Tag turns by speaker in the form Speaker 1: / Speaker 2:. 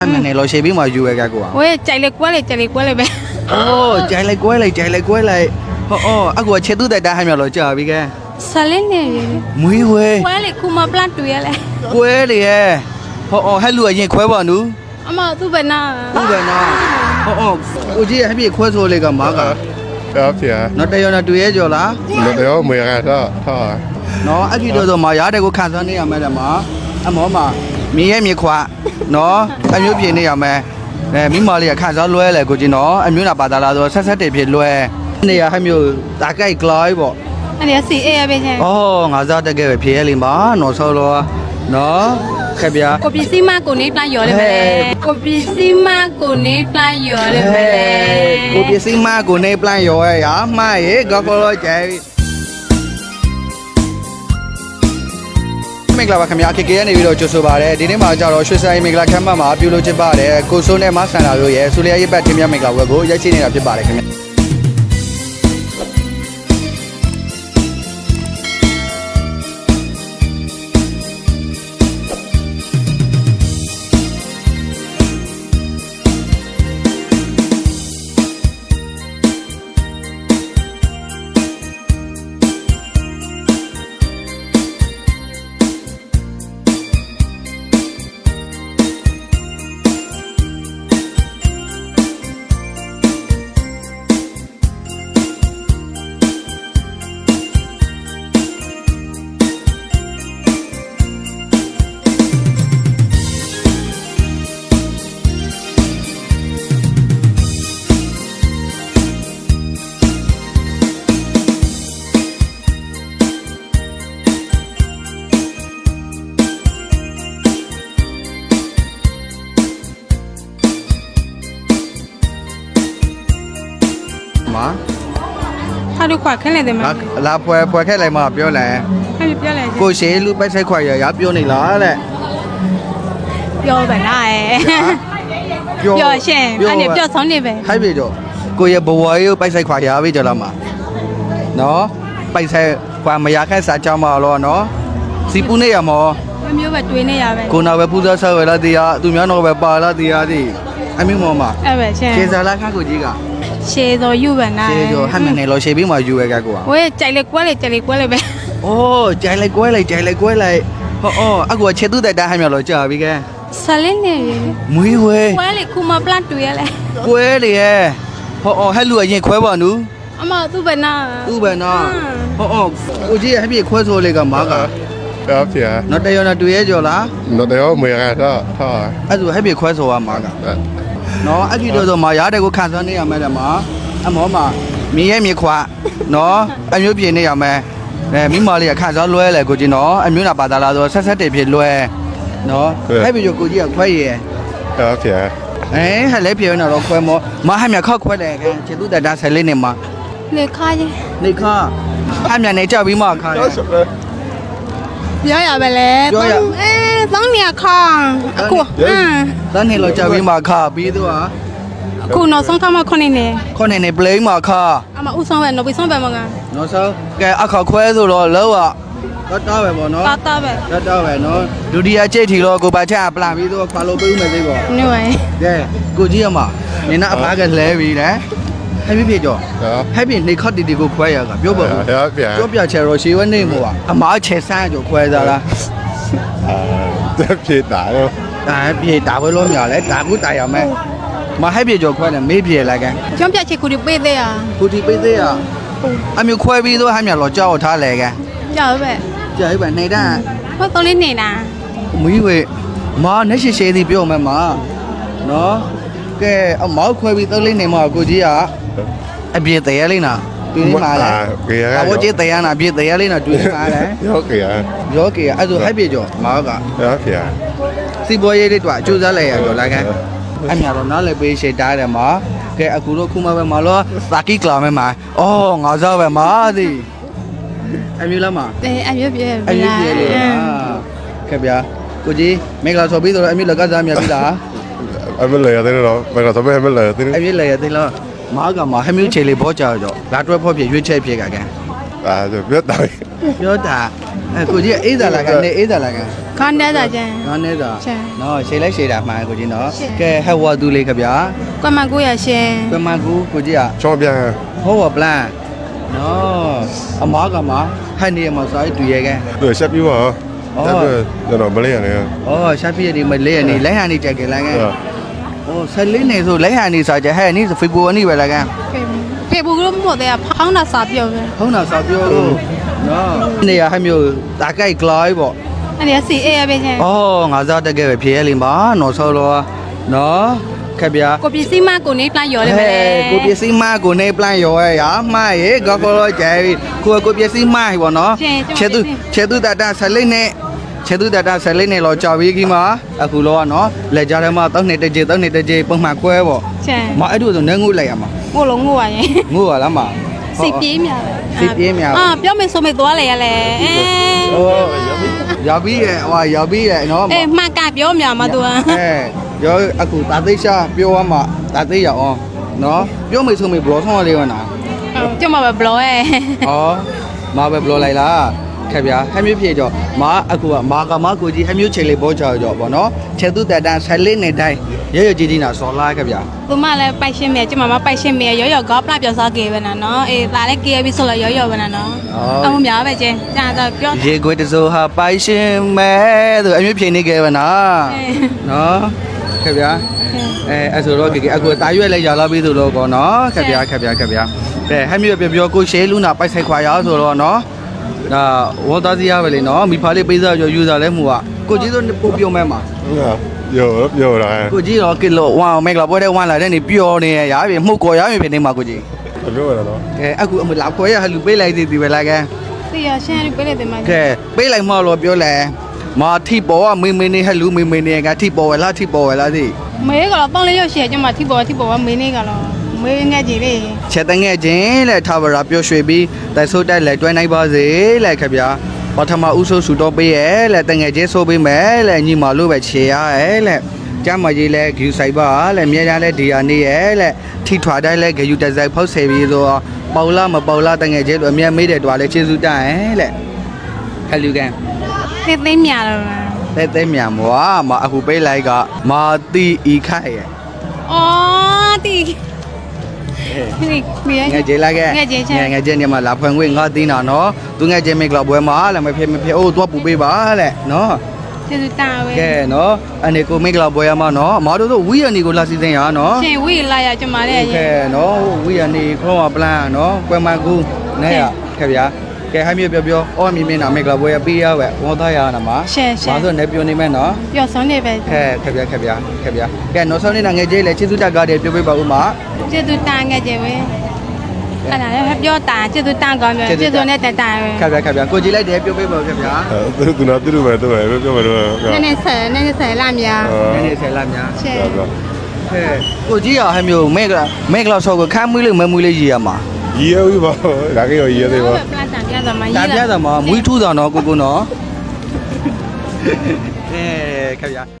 Speaker 1: này lo xe biết mà vui cái của
Speaker 2: ôi chạy lại quá lại bé
Speaker 1: ô chạy lại quay lại à của xe tôi tại đây hai mẹ lo chờ biết cái
Speaker 2: sao lên nè
Speaker 1: muối quê
Speaker 2: quá lại kuma plan tuổi lại
Speaker 1: quê đi hai lùi gì quay vào nữa
Speaker 2: mà tôi bên nào
Speaker 1: không về nào ôi chị hay bị quay rồi lấy cái má cả
Speaker 3: ครับเสีย
Speaker 1: nó đây là tuổi rồi lá
Speaker 3: เดี๋ยวมือไงท่อ
Speaker 1: nó anh đi đâu rồi mà giá đây có khăn sao này à mẹ là má anh mỏ mà mi khóa nó anh nhớ chuyện này à mẹ nè mi mà liền khăn sao lùi lại của chị nó anh nhớ là bà ta là rồi sát để phía lùi này à hay nhiều đã cái cloy bộ
Speaker 2: anh ấy xì e bên này
Speaker 1: ngã ra đây cái phía liền má nó sao lo nó cái bia
Speaker 2: kopi sima của nếp lá dừa đấy bé kopi sima của nếp lá dừa đấy bé
Speaker 1: cô biết xin ma của này plan rồi à mai ấy có lo chạy mình là bà khám nhà cái này video cho số ba đấy đi đến mà cho nó xuất sai mình là khám mà biểu lộ chế ba đấy cô số này mà sang nào rồi số này bắt thêm nhà mình là cô giá trị này là chế ba đấy khám má
Speaker 2: sao được khỏe cái này đấy mà
Speaker 1: là phơi cái này mà biểu lại
Speaker 2: hay bị biểu lại
Speaker 1: cô sẽ lúc bắt sai khoai giờ biểu này lá đấy
Speaker 2: biểu bên này biểu xem anh ấy biểu xong đi về
Speaker 1: hay bị rồi cô giờ bố ấy bắt sai khoai giờ bây giờ làm mà nó bắt sai khoai mà giờ cái sao cho mà lo nó xí bún này à mà
Speaker 2: em biểu về tuổi này à về
Speaker 1: cô nào về bún sơ về là gì à tụi mình nào về bà là gì à gì anh biết mà
Speaker 2: em về xem
Speaker 1: chế ra là khác của gì cả
Speaker 2: xe rồi yêu bên này
Speaker 1: chế rồi hai mẹ này lo xe biết mà vui cái của
Speaker 2: ôi chạy lại quá lại bé
Speaker 1: ô chạy lại quay lại à của xe tôi tại đây hai mẹ lo chờ biết cái
Speaker 2: sao lên nè
Speaker 1: muối quê
Speaker 2: quá lại kuma plan tuổi lại
Speaker 1: quê đi hai lùi gì quay vào nữa
Speaker 2: mà tôi bên nào
Speaker 1: tu về nó ôi chị hay bị quay rồi lấy cái má cả
Speaker 3: ครับเสีย
Speaker 1: nó đây là tuổi rồi lá
Speaker 3: เดี๋ยวมือไงท่อ
Speaker 1: anh rồi hay bị quay rồi à má cả nó anh đi đâu rồi mà giá đây có khăn sao này à mẹ là má anh mỏ mà mi khóa nó anh nhớ chuyện này à mẹ nè mi mà liền khăn sao lùi lại của chị nó anh nhớ là bà ta là rồi sát để phía lùi nó hay bị rồi của chị à quay gì
Speaker 3: ครับเสีย
Speaker 1: ấy hay lấy phía nào đó quay mà hai mẹ khó quay lại cái chị tôi tại đây sẽ lên này mà
Speaker 2: để khai chứ
Speaker 1: này khó hai mẹ này cho bí mà khó
Speaker 2: biểu à về lẽ tông nè kho cô
Speaker 1: tao này lo cho bí mà khó bí tôi à
Speaker 2: cô nó xong thăm mà con này
Speaker 1: con này play mà khó
Speaker 2: mà u xong về nó bị xong về mà ngà
Speaker 1: nó sao cái à khó quay rồi lâu à đó về bọn nó
Speaker 2: về
Speaker 1: đó về nó dù đi chơi thì lo cô bà cha làm bí tôi khóa lô bự mà thế có
Speaker 2: như vậy
Speaker 1: cái cô chỉ mà nên nó phá cái lẽ vì đấy hay biết chưa
Speaker 3: ครับ
Speaker 1: hay biết này khó đi cô quay à cả biết bao
Speaker 3: ครับเสีย
Speaker 1: chỗ bây giờ rồi xíu này mua à mà chơi xa chỗ quay ra là
Speaker 3: จะผิดหนาเลย
Speaker 1: bị đá với lỗ nhỏ đấy đá cũng tay à mẹ mà hay bị chỗ quay là mấy bị lại cái
Speaker 2: chúng ta chỉ cô đi bê đây à
Speaker 1: cô thì bây giờ à anh mới quay video hai mẹ lo cho thà lại cái
Speaker 2: chờ về
Speaker 1: chơi bạn này đã
Speaker 2: có tôi lên này nè
Speaker 1: mấy người mà nếu xe thì biểu mà nó cái ông mở quay video lên này mà cô gì à anh biết tay lên nè tôi đi mà đấy
Speaker 3: เกียร์
Speaker 1: à bố chế tay à biết tay lên nè tôi đi mà đấy
Speaker 3: ยกเกียร์
Speaker 1: gió kìa anh rồi hay biết chỗ mà cả
Speaker 3: ครับเสีย
Speaker 1: si bố ấy đi tọa chú ra lại rồi lại cái anh nhà nó nói là bị xe đá để mà cái anh cũng không mà lo ta kí làm mà ngõ ra về mà gì anh biết lắm mà
Speaker 2: anh biết
Speaker 1: anh biết gì rồi cái bia cô gì mấy cái số biết rồi anh biết là cái gì anh biết là
Speaker 3: ไอ้ไม่เลยที่เราไปกับสมัยไม่เลยที่
Speaker 1: anh biết là thế lo mà cái mà hay biết chơi lấy bó chờ rồi lát rồi phải biết chơi phải cái
Speaker 3: จะเพี้ยนตาย
Speaker 1: ပြောတာကိုကြီးအေးသာလာကနေအေးသာလာက
Speaker 2: ခေါင်းတက်တာကျန်
Speaker 1: နော်နေသာ
Speaker 2: ကျန်
Speaker 1: နော်ရှေ့လိုက်ရှေ့တာမှန်ကိုကြီးနော်
Speaker 2: ရှေ့
Speaker 1: ကဲဟဲ့ဝါသူလေးခဗျာ
Speaker 2: ကွမ်မကိုရရှင်
Speaker 1: ပမကူကိုကြီးอ่ะ
Speaker 3: ချောင်းပြန်
Speaker 1: ဟောဝပလန်နော်အမားကမှာဟန်နေမှာစာတူရဲကဲ
Speaker 3: သူရှက်ပြူပါအဲ့ဒါကျွန်တော်မလေးရတယ်
Speaker 1: ဩရှာပြည့်ဒီမလေးရနေလိုက်ဟန်နေကြက်ကလာကဲ
Speaker 3: ဟုတ်
Speaker 1: ဩဆက်လေးနေဆိုလိုက်ဟန်နေစာကြဟဲ့နေဖေဘူအနိပဲလာကဲ
Speaker 2: ဖေဘူးလို့မို့တဲ့ဖောင်းတာစာပြောပဲ
Speaker 1: ဟုံးတာစာပြောလို့နော်နေရဟမျိုးတာကြိုက်ကလိုက်ပေါ့
Speaker 2: အဲ့ဒီစီအေးရပဲကျန်
Speaker 1: ဩငါစားတက်ခဲ့ပဲဖြေရလိမ့်ပါနော်ဆောလောနော်ခက်ဗျာ
Speaker 2: ကိုပစ္စည်းမကိုနေပလာရော်တယ်ပဲ
Speaker 1: ကိုပစ္စည်းမကိုနေပလန်ရောရရမှားရေကောကောကျဲကိုပစ္စည်းမဟိဘောနော်ချေသူတတာဆလိနဲ့ချေသူတတာဆလိနဲ့လောကြော်ပြီးကြီးမှာအခုလောကနော်လက်ကြထဲမှာတောက်နေတကြေပုံမှန်ခွဲပေါ့
Speaker 2: ကျန်
Speaker 1: မအဲ့တို့ဆိုနေငုလိုက်ရမှာ
Speaker 2: ကိုလုံးငိုရရင်
Speaker 1: ငုရလားမ
Speaker 2: စိတ်ပြေးမြာ
Speaker 1: စိတ်ပြေးမြာ
Speaker 2: အာပြောမယ်ဆိုမေသွားလေရလေအဲ
Speaker 1: ဟိုရောက်ပြီးရဲ့ဟိုရောက်ပြီးရဲ့နော်
Speaker 2: အေးမှတ်ကပြောမြာမသူ
Speaker 1: အဲရောအခုတာသိရှာပြောရမှာတာသိရအောင်နော်ပြောမေဆိုမေဘလောဆောင်လေးဝနာ
Speaker 2: ကျမပဲဘလောရဲ့
Speaker 1: ဩမာပဲဘလောလိုက်လားခက်ဗျာဟမ်းမျိုးဖြည့်ကြောမာအခုကမာကမကိုကြီးဟမ်းမျိုးချေလေးဘောချောကြောပေါ့နော်ချေသူတတန်ဆက်လေးနဲ့တိုင်းရရကြီးကြီးနာစော်လာခက်ဗျာ
Speaker 2: သူမလည်းပိုက်ရှင်းမယ်ကျမမပိုက်ရှင်းမယ်ရောရောကောပလာပြောစားကေပဲနော်အေးဒါလည်းကေပြီးဆိုလို့ရောရောပဲနော်အမှုများပဲကျင်းကြာတော့ပြော
Speaker 1: ရေခွေတစိုးဟာပိုင်ရှင်မဲသူအမျိုးဖြည့်နေကြပါနော်နော်ခက်ဗျာအဲ့ဆိုတော့ကေအခုတာရွက်လဲရောက်လာပြီဆိုတော့ကောနော်ခက်ဗျာကဲဟမ်းမျိုးပြောကိုရှဲလူနာပိုက်ဆိုင်ခွာရဆိုတော့နော်ဒါဝတ်သားစီရပဲလေနော်မိဖားလေးပေးစားယူစားလဲမှုကကိုကြီးတို့ပို့ပြုံးမဲမှာ
Speaker 3: ပြောတာ
Speaker 1: ကိုကြီးတော့ကီလို1မက်လာပွဲတဲ့1လာတဲ့နေပျော်နေရပြီမှုကော်ရပြီဖြစ်နေမှာကိုကြီး
Speaker 3: ပြောရတော့
Speaker 1: ကဲအခုအမလာခွဲရဟလူပေးလိုက်သေးတယ်ပဲလားကဲ
Speaker 2: သိရရှင်းပြလေတယ်မ
Speaker 1: ကဲပေးလိုက်မှလို့ပြောလဲမာထိပေါ်ကမေမေနေဟလူမေမေနေကထိပေါ်ဝဲလားထိပေါ်ဝဲလားသိ
Speaker 2: မေးကတော့ပေါင်းလေးရုပ်ရှည်ကျမထိပေါ်မေးနေကတော့မေးငယ်ကြီးလေး
Speaker 1: ချက်တငဲ့ချင်းလဲထားပါရပျော်ရွှေပြီးတိုက်ဆိုးတိုက်လဲတွဲနိုင်ပါစေလဲခဗျာပထမဦးဆိုးဆူတော့ပေးရဲလဲတငဲ့ချင်းဆိုးပေးမယ်လဲညီမလို့ပဲခြေရရဲလဲကျမကြီးလဲဂယူဆိုင်ပါလဲမြဲတမ်းလဲဒီယာနေရဲလဲထိထွာတိုင်းလဲဂယူတစိုက်ဖောက်ဆယ်ပြီးဆိုပေါလာမပေါလာတငဲ့ချင်းလို့အမြဲမေးတယ်တွာလဲကျေးဇူးတိုင်လဲဟလူကန်
Speaker 2: သိသိမြတော့
Speaker 1: တဲမြန်မွာမအခုပေးလိုက်ကမာတီဤခိုက်ရဲ့
Speaker 2: အော်တီဒီ
Speaker 1: ငယ်ကျေလာခဲ့
Speaker 2: ငယ်ချင်းချက်
Speaker 1: ငယ်ချင်းနေမှာလာဖွင့်ခွင့်ငါသိနာနော်သူငယ်ချင်းမိကလာပွဲမှာလည်းမဖြစ်အိုးသွားပူပေးပါတဲ့နော်
Speaker 2: ကျေစုတာပဲ
Speaker 1: ကဲနော်အနေကိုမိကလာပွဲမှာနော်အမတို့တို့ဝီရနီကိုလာစီစဉ်ရနော်
Speaker 2: ရှင်ဝီလာရကျမလေးရ
Speaker 1: ကဲနော်ဝီရနီခေါင်းပလန်နော်ကွယ်မကူနဲ့ရခဲ့ဗျာကဲဟမ်းမြေပြောအော်မီမင်းနာမိကလာပွဲပေးရဝဲဝေါ်သားရနာမှာ
Speaker 2: ရှယ်ရှယ်
Speaker 1: ဘာလို့နေပြောနေမဲ့နော်
Speaker 2: ပြောဆုံးနေပဲ
Speaker 1: ခဲ့ဗျာကဲနော်ဆောင်းနေတာငယ်ချင်းလေချစ်သူတက်ကားတယ်ပြောပေးပါဦးမ
Speaker 2: ကျေစုတာငယ်ကြီးပဲအဲ့ဒါလည်းပြောတာကျေစုတာကောင်းပြောကျေစုနဲ့တတာပဲ
Speaker 1: ခဲ့ဗျာကိုကြည့်လိုက်တယ်ပြောပေးပါဦးခဲ့ဗျာ
Speaker 3: သူနာပြုမယ်တော့ပြောမယ်တော့
Speaker 2: နည်းနည်းဆယ်လာမြာ
Speaker 1: နည်းနည်းဆယ်လာများ
Speaker 2: ရှယ်
Speaker 1: ဟဲ့ကိုကြီးရဟမျိုးမဲကလောက်ဆောကိုခမ်းမွေးလို့မမွေးလေးရည်ရမှာ
Speaker 3: ရေဦးပါဒါကရောရေသေးပါ
Speaker 2: ပလတ်တာပြတော့မှ
Speaker 1: တာပြတာမှာမွေးထူးတာနော်ကိုနော်အဲခဲ့ဗျာ